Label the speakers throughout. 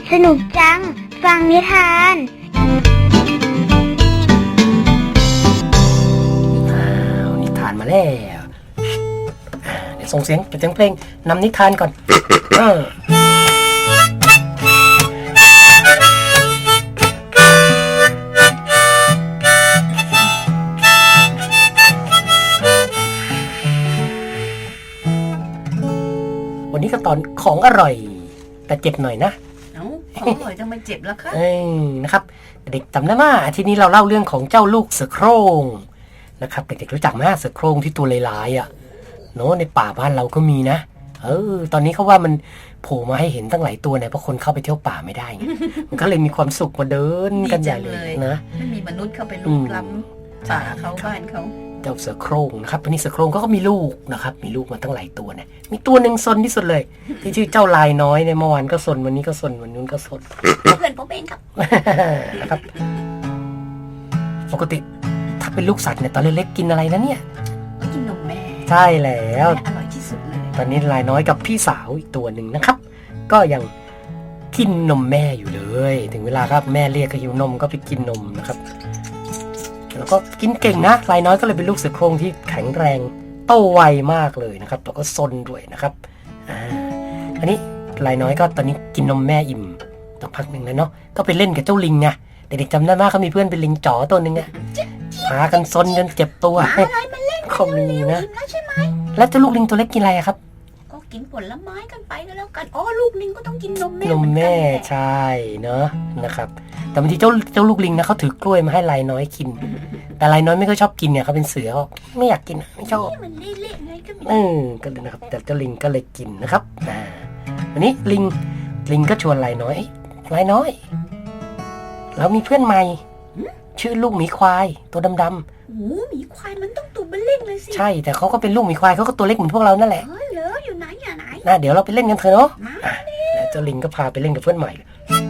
Speaker 1: สนุกจังฟังนิทาน
Speaker 2: นิทานมาแล้วเดี๋ยวส่งเสียงเพลงนำนิทานก่อนวันนี้ก็ตอนของอร่อยแต่เจ็บหน่อยนะ
Speaker 3: ของอร่อยจะมาเจ็บแล้วคะ
Speaker 2: นะครับเด็กจำได้ไหมทีนี้เราเล่าเรื่องของเจ้าลูกเสือโคร่งนะครับเด็กๆรู้จักไหมเสือโคร่งที่ตัวลายๆอ่ะเนาะในป่าบ้านเราก็มีนะตอนนี้เขาว่ามันโผล่มาให้เห็นตั้งหลายตัวเนี่ยเพราะคนเข้าไปเที่ยวป่าไม่ได้ไงมันก็เลยมีความสุขมาเดินกันใหญ่เลยนะ
Speaker 3: ไม่มีมนุษย์เข้าไปลุกล้ำป่าเขาบ้านเขา
Speaker 2: เจ้าเสือโคร่งนะครับวันนี้เสือโคร่งก็มีลูกนะครับมีลูกมาตั้งหลายตัวเนี่ยมีตัวหนึ่งซนที่สุดเลยที่ชื่อเจ้าลายน้อยในเมื่อวานก็ซนวันนี้ก็ซนวันนู้นก็ซน
Speaker 3: เพื่อนผมเองครับ
Speaker 2: นะครับปกติถ้าเป็นลูกสัตว์เนี่ยตอนเล็กๆกินอะไรนะเนี่ย
Speaker 3: กินนมแม่
Speaker 2: ใช่แล้ว
Speaker 3: อร่อยที่สุดเลย
Speaker 2: ตอนนี้ลายน้อยกับพี่สาวอีกตัวหนึ่งนะครับก็ยังกินนมแม่อยู่เลยถึงเวลาครับแม่เรียกก็หิวนมก็ไปกินนมนะครับแล้วก็กินเก่งนะลายน้อยก็เลยเป็นลูกเสือโคร่งที่แข็งแรงโตไวมากเลยนะครับแล้วก็ซนด้วยนะครับอันนี้ลายน้อยก็ตอนนี้กินนมแม่อิ่มต่อพักหนึ่งแล้วเนาะก็ไปเล่นกับเจ้าลิงไงเด็กๆจำได้มากเขามีเพื่อนเป็นลิงจ๋อตัวหนึ่งอะหากันซนจนเจ็บตัวเขามีนะแล้วเจ้าลูกลิงตัวเล็กกินอะไรครับ
Speaker 3: ก็กินผลไม้กันไปก็แล้วกันลูกลิงก็ต้องกินนมแม่
Speaker 2: นมแม่ใช่เนาะนะครับแต่บางทีเจ้าลูกลิงนะเขาถือกล้วยมาให้ลายน้อยกินแต่ลายน้อยไม่ค่อยชอบกินเนี่ยเขาเป็นเสือไม่อยากกินไม่ชอบ
Speaker 3: มันเละๆไงก็
Speaker 2: ก็เลยนะครับแต่เจ้าลิงก็เลยกินนะครับวันนี้ลิงก็ชวนลายน้อยเรามีเพื่อนใหม่ชื่อลูกหมีควายตัวดำ
Speaker 3: ๆหมีควายมันต้องตัวเบลเล่งเลยสิ
Speaker 2: ใช่แต่เขาก็เป็นลูกหมีควายเขาก็ตัวเล็กเหมือนพวกเรานั่นแหละ
Speaker 3: เหรออยู่ไหน
Speaker 2: เดี๋ยวเราไปเล่นกันเถอะเนาะแล้วเจ้าลิงก็พาไปเล่นกับเพื่อนใหม่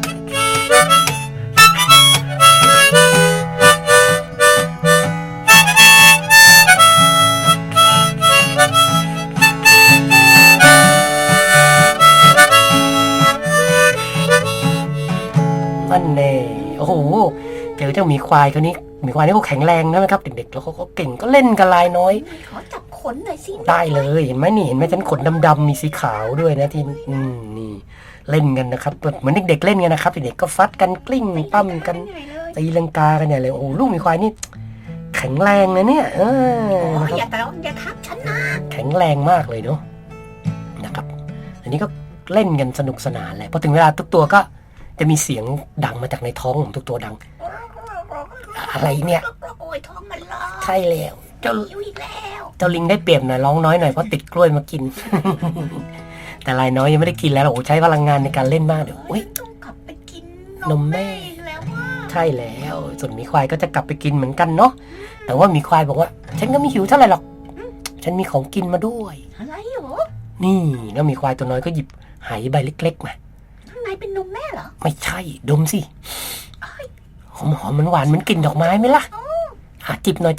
Speaker 2: นั่นแน่โอ้โหเจอเจ้าหมีควายตัวนี้หมีควายนี่ก็แข็งแรงนะครับเด็กๆแล้วเขาก็เก่งก็เล่นกับลายน้อย
Speaker 3: ขอจับขนหน่อยสิ
Speaker 2: ได้เลยเห็นไหมฉันขนดำๆมีสีขาวด้วยนะที่นี่เล่นกันนะครับเหมือนเด็กๆเล่นกันนะครับเด็กๆก็ฟัดกันกลิ้งปั้มกันตีลังกากันใหญ่เลยโอ้ลูกหมีควายนี่แข็งแรงนะเนี่ย
Speaker 3: อย่าทับฉันนะ
Speaker 2: แข็งแรงมากเลยเนาะนะครับอันนี้ก็เล่นกันสนุกสนานเลยพอถึงเวลาทุกตัวก็จะมีเสียงดังมาจากในท้องของทุกตัวดังอะไรเนี่ย
Speaker 3: โอ้ยท้องมันร้อง
Speaker 2: ใช่แล้ว
Speaker 3: เจ้า
Speaker 2: ลิงได้เปรียบหน่อยร้องน้อยหน่อยเพราะติดกล้วยมากิน แต่ลายน้อยยังไม่ได้กินแล้วโอ้ใช้พลังงานในการเล่นมากเดี๋ยว
Speaker 3: ต้องกลับไปกิน
Speaker 2: นมแม่แล้วใช่แล้วส่วนหมีควายก็จะกลับไปกินเหมือนกันเนาะแต่ว่าหมีควายบอกว่าฉันก็ไม่หิวเท่าไหร่หรอกฉันมีของกินมาด้วย
Speaker 3: อะไรหรอ
Speaker 2: นี่แล้วหมีควายตัวน้อยก็หยิบไหใบเล็กๆมา
Speaker 3: เป็นนมแม่เหรอ
Speaker 2: ไม่ใช่ดมสิหอมมันหวานมันกลิ่นดอกไม้ไหมล่ะจิบหน่อย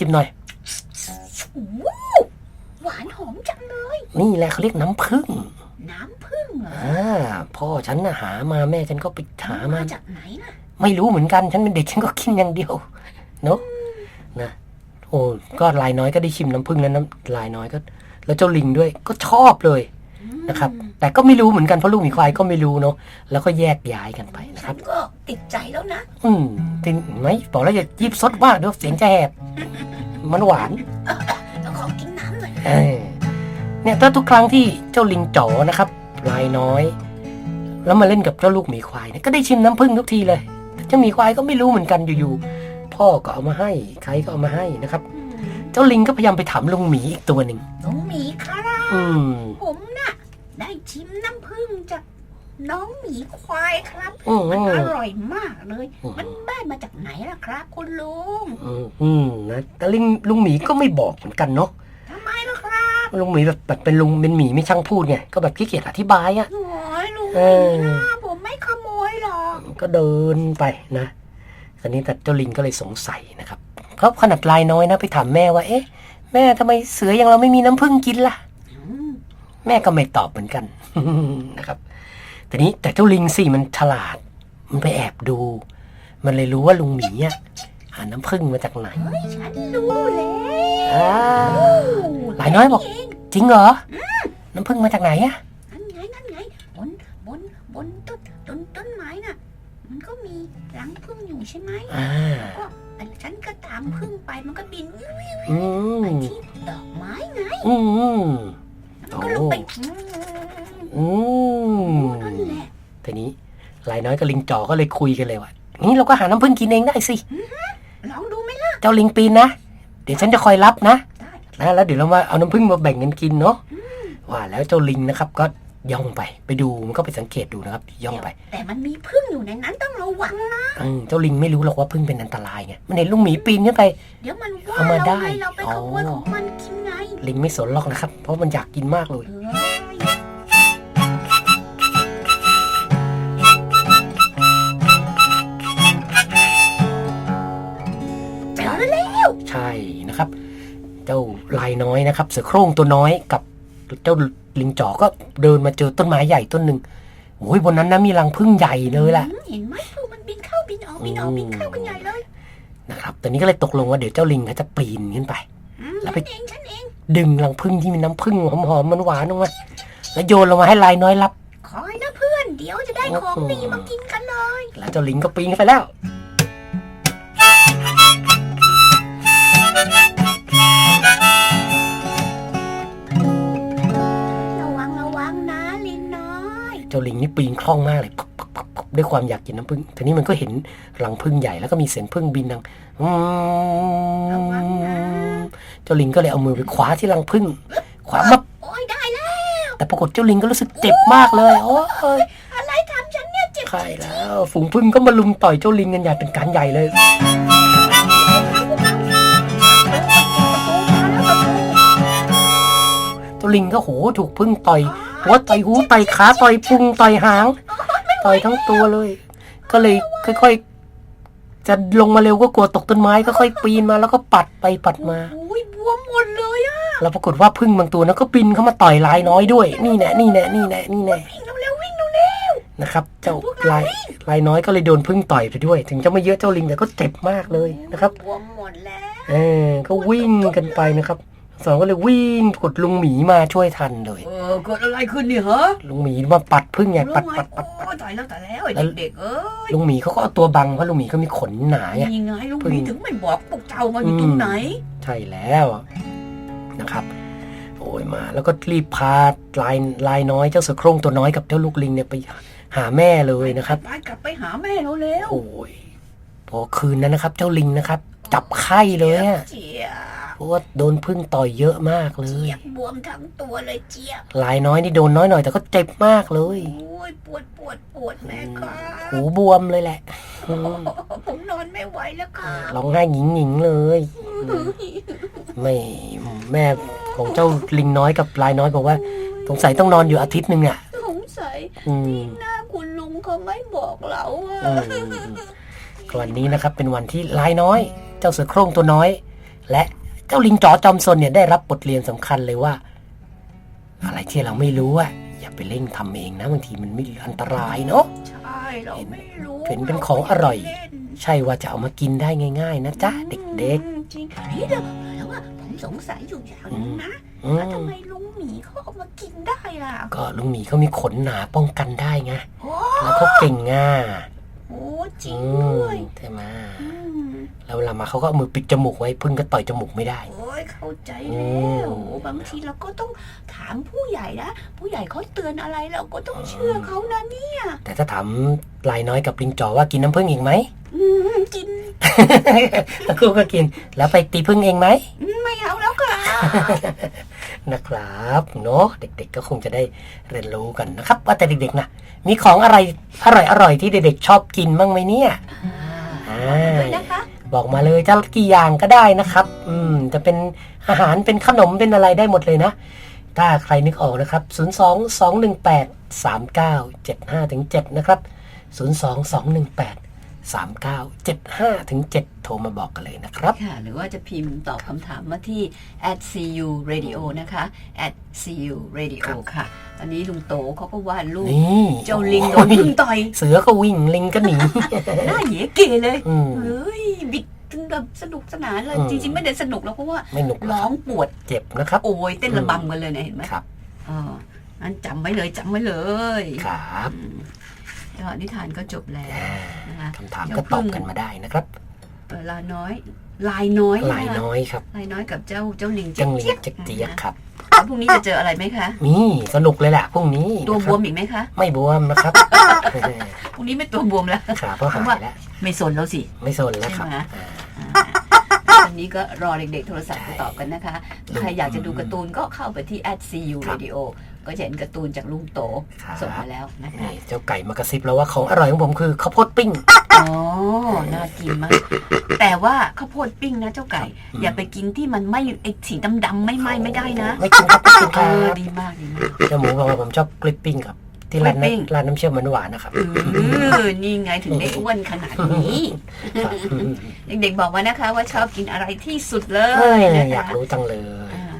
Speaker 3: หวานหอมจังเลย
Speaker 2: นี่แหละเขาเรียกน้ำผึ้ง
Speaker 3: เหรอ
Speaker 2: พ่อฉันน่ะหามาแม่ฉันก็ไปหามา
Speaker 3: จากไหนนะ
Speaker 2: ไม่รู้เหมือนกันฉันเป็นเด็กฉันก็กินอย่างเดียวเนาะนะโอ้ก็ลายน้อยก็ได้ชิมน้ำผึ้งแล้วลายน้อยก็แล้วเจ้าลิงด้วยก็ชอบเลยนะครับแต่ก็ไม่รู้เหมือนกันเพราะลูกหมีควายก็ไม่รู้เนาะแล้วก็แยกย้ายกันไปนะครับ
Speaker 3: ก็ติดใจแล้วนะ
Speaker 2: ติดไหมบอกแล้วอย่ายิบซดมากเดี๋ยวเสียงจะแหบมันหวาน
Speaker 3: ต้องขอกินน้ำหน่อย
Speaker 2: เนี่ยถ้าทุกครั้งที่เจ้าลิงจ๋อนะครับลายน้อยแล้วมาเล่นกับเจ้าลูกหมีควายเนี่ยก็ได้ชิมน้ำผึ้งทุกทีเลยแต่เจ้าหมีควายก็ไม่รู้เหมือนกันอยู่ๆพ่อก็เอามาให้ใครก็เอามาให้นะครับเจ้าลิงก็พยายามไปถามลุงหมีอีกตัวหนึ่ง
Speaker 3: ลุงหมีครับผมน่ะได้ชิมน้ำผึ้งจากน้องหมีควายครับมันอร่อยมากเลยมันได้มาจากไหนล่ะครับคุณลุง
Speaker 2: นะแต่ลุงหมีก็ไม่บอกเหมือนกันเนาะ
Speaker 3: ทำไมล่ะครับ
Speaker 2: ลุงหมีแบบเป็นลุงเป็นหมีไม่ช่างพูดไงก็แบบขี้เกียจอธิบาย
Speaker 3: โอ้ยลุงผมไม่ขโมยหรอก
Speaker 2: ก็เดินไปนะตอนนี้แต่เจ้าลิงก็เลยสงสัยนะครับเพราะขนาดลายน้อยนะไปถามแม่ว่าเอ๊ะแม่ทำไมเสืออย่างเราไม่มีน้ำผึ้งกินล่ะแม่ก็ไม่ตอบเหมือนกันนะครับแต่เจ้าลิงสิมันฉลาดมันไปแอบดู มันเลยรู้ว่าลุงหมีอ่ะหาน้ำผึ้งมาจากไหน
Speaker 3: เฮ้ยฉันรู้แล้ว
Speaker 2: อ่าหลายน้อยบอกจริงเหรอน้ำผึ้งมาจากไหนอ่ะ
Speaker 3: นั่นไงบนต้นไม้น่ะมันก็มีรังผึ้งอยู่ใช่ไหม
Speaker 2: อ่า
Speaker 3: ก็ฉันก็ตามผึ้งไปมันก็บิน
Speaker 2: อืม
Speaker 3: ไปที่ดอกไม้ไง
Speaker 2: อืม
Speaker 3: มันก็ลงไป
Speaker 2: อืม
Speaker 3: นั่นแหละ
Speaker 2: ทีนี้หลายน้อยกับลิงจ่อก็เลยคุยกันเลยว่านี่เราก็หาน้ำผึ้งกินเองได้สิ
Speaker 3: ลองดูไหมล่ะ
Speaker 2: เจ้าลิงปีนนะเดี๋ยวฉันจะคอยรับนะ
Speaker 3: ได้
Speaker 2: แล้วเดี๋ยวเรามาเอาน้ำผึ้งมาแบ่งกันกินเนาะว่าแล้วเจ้าลิงนะครับก็ย่องไปดูมันก็ไปสังเกตดูนะครับย่องไป
Speaker 3: แต่มันมีผึ้งอยู่ในนั้นต้องระวังนะ
Speaker 2: เจ้าลิงไม่รู้หรอกว่าผึ้งเป็นอันตรายไงมันเห็นลุงหมีปีนขึ้นไป
Speaker 3: เดี๋ยวมันว่า
Speaker 2: เอามาได้
Speaker 3: เราไปขโมยของมันกินไง
Speaker 2: ลิงไม่สนหรอกนะครับ เพราะมันอยากกินมากเลย
Speaker 3: เจอแล้ว
Speaker 2: ใช่นะครับ เจ้าลายน้อยนะครับ เสือโคร่งตัวน้อยกับเจ้าลิงจ่อก็เดินมาเจอต้นไม้ใหญ่ต้นหนึ่งโอ้ยบนนั้นนะมีรังผึ้งใหญ่เลยแหละ
Speaker 3: เห็นไหมผึ้งมันบินเข้าบินออกบินเข้ากันใหญ่เลย
Speaker 2: นะครับตอนนี้ก็เลยตกลงว่าเดี๋ยวเจ้าลิงเขาจะปีนขึ้นไป แล้วไป
Speaker 3: ฉันเอง
Speaker 2: ดึงรังผึ้งที่มีน้ำผึ้งหอมๆหวานๆออกมาแล้วโยนลงมาให้ลายน้อยรับ
Speaker 3: คอยนะเพื่อนเดี๋ยวจะได้ของดีมากินกันเลย
Speaker 2: แล้วเจ้าลิงก็ปีนขึ้นไปแล้ว
Speaker 3: ระวังนะลินน้อย
Speaker 2: เจ้าลิงนี่ปีนคล่องมากเลยปุ๊บด้วยความอยากกินน้ำผึ้งทีนี้มันก็เห็นรังผึ้งใหญ่แล้วก็มีเสียงผึ้งบินดัง
Speaker 3: ระวังนะ
Speaker 2: เจ้าลิงก็เลยเอามือไปคว้าที่รังผึ้งคว้ามา
Speaker 3: โอ้ยได้แล้ว
Speaker 2: แต่ปรากฏเจ้าลิงก็รู้สึกเจ็บมากเลยโอ้ย
Speaker 3: อะไรทำฉันเนี่ยเจ็บ
Speaker 2: ใช่แล้วฝูงผึ้งก็มาลุมต่อยเจ้าลิงกันอย่างเป็นการใหญ่เลยเจ้าลิงก็โหถูกผึ้งต่อยหัวต่อยหูต่อยขาต่อยพุงต่อยหางต่อยทั้งตัวเลย ก็เลยค่อยๆจะลงมาเร็วก็กลัวตกต้นไม้ก็ค่อยปีนมาแล้วก็ปัดไปปัดมา
Speaker 3: โอ้ยบวมหมดเลยอะ
Speaker 2: แล้วปรากฏว่าผึ้งบางตัวนั้นก็บินเข้ามาต่อยลายน้อยด้วยนี่แน่นี่
Speaker 3: วิ่งเร็ว
Speaker 2: นะครับเจ้าลายน้อยก็เลยโดนผึ้งต่อยไปด้วย ถึงจะไม่เยอะเจ้าลิงแต่ก็เจ็บมากเลยนะครับ
Speaker 3: บวมหมดแล้ว
Speaker 2: ก็วิ่งกันไปนะครับสองก็เลยวิ่งกดลุงหมีมาช่วยทันเลย
Speaker 3: เกิดอะไรขึ้นนี่เหรอ
Speaker 2: ลุงหมีมาปัดผึ้งไงปัด
Speaker 3: โอ้ยตายแล้วไอ้เด็กๆ
Speaker 2: ลุงหมีเขาก็เอาตัวบังเพราะลุงหมีก็มีขนหนาไง
Speaker 3: ยังไงลุงหมีถึงไม่บอกพวกเจ้ามาอยู่ตรงไหน
Speaker 2: ใช่แล้วนะครับโอ้ยมาแล้วก็รีบพาลายน้อยเจ้าเสือโคร่งตัวน้อยกับเจ้าลูกลิงเนี่ยไปหาแม่เลยนะครับ
Speaker 3: ไปกลับไปหาแม่เราแล้ว
Speaker 2: โอ้ยพอคืนนั้นนะครับ เจ้าลิงนะครับ จับไข้เลยอะ
Speaker 3: เจี๊ยบ
Speaker 2: เพราะว่าโดนผึ้งต่อยเยอะมากเลย
Speaker 3: เจี๊ยบบวมทั้งตัวเลยเจี๊ยบ
Speaker 2: ลายน้อยนี่โดนน้อยหน่อยแต่ก็เจ็บมากเลย
Speaker 3: โอ้ยปวดแม่ครับ
Speaker 2: หูบวมเลยแหละ
Speaker 3: ผมนอนไม่ไหวแล้วค่ะ
Speaker 2: ร้องไห้หงิงๆเลยไม่แม่ของเจ้าลิงน้อยกับลายน้อยบอกว่าสงสัยต้องนอนอยู่อาทิตย์หนึ่งอ่ะ
Speaker 3: สงสัย
Speaker 2: อืม
Speaker 3: หน้าคุณลุงเขาไม่บอกเราอะ
Speaker 2: วันนี้นะครับเป็นวันที่ลายน้อย เจ้าเสือโคร่งตัวน้อย และเจ้าลิงจ๋อจอมซนเนี่ยได้รับบทเรียนสำคัญเลยว่า อะไรที่เราไม่รู้อะอย่าไปเร่งทำเองนะบางทีมันไม่อันตรายเนาะ
Speaker 3: ใช่เราไม่รู้
Speaker 2: เป็นของอร่อย ใช่ว่าจะเอามากินได้ง่ายๆนะจ๊ะเด็ก
Speaker 3: จริงนี่เดี๋ยวแล้วว่าผมสงสัยอยู่อย่างนึงนะ
Speaker 2: ๆอืม
Speaker 3: ทำไมลุงหมีเขาเอามากินได้ล่ะ
Speaker 2: ก็ลุงหมีเขามีขนหนาป้องกันได้ไง
Speaker 3: โอ้
Speaker 2: แล้วเขาเก่งง่า
Speaker 3: โอ้จริงด้วย
Speaker 2: ใช่ไหม
Speaker 3: อืม
Speaker 2: แล้วเวลามาเขาก็เอามือปิดจมูกไว้พึ่งก็ต่อยจมูกไม่ได้
Speaker 3: โอ้ยเข้าใจ
Speaker 2: อื
Speaker 3: แล้ว
Speaker 2: ม
Speaker 3: บางทีเราก็ต้องถามผู้ใหญ่นะผู้ใหญ่เขาเตือนอะไรเราก็ต้องเชื่อเขานะเนี่ย
Speaker 2: แต่ถ้าถามลายน้อยกับลิงจ๋อว่ากินน้ำผึ้งอีกไหม
Speaker 3: กิน
Speaker 2: ตะคู่ก็กิน แล้วไปตีผึ้งเองไหม
Speaker 3: ไม่เอาแล้วค่ะ
Speaker 2: นะครับเนาะเด็กๆก็คงจะได้เรียนรู้กันนะครับ ว่าแต่เด็กๆนะมีของอะไรอร่อยๆที่เด็กๆชอบกินบ้างไหมเนี่ย
Speaker 3: ด้วยนะคะ
Speaker 2: บอกมาเลยจะกี่อย่างก็ได้นะครับจะเป็นอาหารเป็นขนมเป็นอะไรได้หมดเลยนะถ้าใครนึกออกนะครับ022183975-7นะครับ022183975-7 3975-7 โทรมาบอกกันเลยนะครับ
Speaker 3: ค่ะ หรือว่าจะพิมพ์ตอบคำถามมาที่ @CURadio นะคะ @CURadio ค่ะ อันนี้ลุงโตเขาก็วาดรูป
Speaker 2: นี่
Speaker 3: เจ้าลิงโดนพึ่งต่อย
Speaker 2: เสือก็วิ่งลิงก็หนี
Speaker 3: หน้าเหยเกเลย
Speaker 2: อืม
Speaker 3: เฮ้ยบิดกันแบบสนุกสนานเลย
Speaker 2: อืม
Speaker 3: จริงๆไม่ได้สนุกแล้วเพราะว่า
Speaker 2: ไม่หนุกหร
Speaker 3: ร้
Speaker 2: อ
Speaker 3: อก งปวด
Speaker 2: เจ็บนะครับ
Speaker 3: โอยเต้นระบำกันเลยนะเห็นไหม
Speaker 2: ครับ
Speaker 3: อ๋องั้นจำไว้เลยจำไว้เลย
Speaker 2: ครับ
Speaker 3: แล้วนิทานก็จบแล้วนะคะ
Speaker 2: คำถามก็ตอบกันมาได้นะครับ
Speaker 3: ลายน้อยลายน้อย
Speaker 2: ลายน้อยครับ
Speaker 3: ลายน้อยกับเจ้าลิง
Speaker 2: จังลิง
Speaker 3: เจี๊ยบ
Speaker 2: เจี๊ยบครับ
Speaker 3: แล้วพรุ่งนี้จะเจออะไรไหมคะ
Speaker 2: มีสนุกเลยแหละพรุ่งนี้
Speaker 3: ตัว
Speaker 2: นะ
Speaker 3: บ
Speaker 2: ครับ
Speaker 3: วมอีกไหมคะ
Speaker 2: ไม่บวมนะครับ
Speaker 3: พรุ่งนี้ไม่ตัวบวมแล้ว
Speaker 2: ขาก็หายแล้ว
Speaker 3: ไม่สนแล้วสิ
Speaker 2: ไม่สนแล้วครับ
Speaker 3: ใช่ไหม วันนี้ก็รอเด็กๆโทรศัพท์มาตอบกันนะคะ ใครอยากจะดูการ์ตูนก็เข้าไปที่ @CURadio ก็จะเห็นการ์ตูนจากลุงโต
Speaker 2: ครับ
Speaker 3: ส่งมาแล้วนะคะ
Speaker 2: นี่เจ้าไก่มากระซิบแล้วว่าของอร่อยของผมคือข้าวโพดปิ้ง
Speaker 3: อ๋อ น่ากินมาก แต่ว่าข้าวโพดปิ้งนะเจ้าไก่ อย่าไปกินที่มันไม่ไอสีดำๆไม่ไหม้ไม่ได้นะ
Speaker 2: ไม่กินครับไม่กินค
Speaker 3: เอ
Speaker 2: รับ
Speaker 3: อดีมากดีมาก
Speaker 2: เจ้าหมูบอกว่าผมชอบกริปปิ้งครับ ที่ร้าน
Speaker 3: กริปปิ้ง
Speaker 2: ร้านน้ำเชื่อมหวานๆนะครับ
Speaker 3: นี่ไงถึงได้อ้วนขนาดนี้
Speaker 2: ครับ
Speaker 3: เด็กๆบอกมานะคะ ว่าชอบกินอะไรที่สุดเล
Speaker 2: เอ้
Speaker 3: ย
Speaker 2: ย
Speaker 3: นะคะ
Speaker 2: อยากรู้จังเลย
Speaker 3: อ่า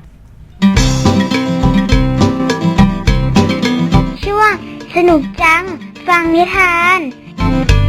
Speaker 1: ช่วงสนุกจัง ฟังนิทาน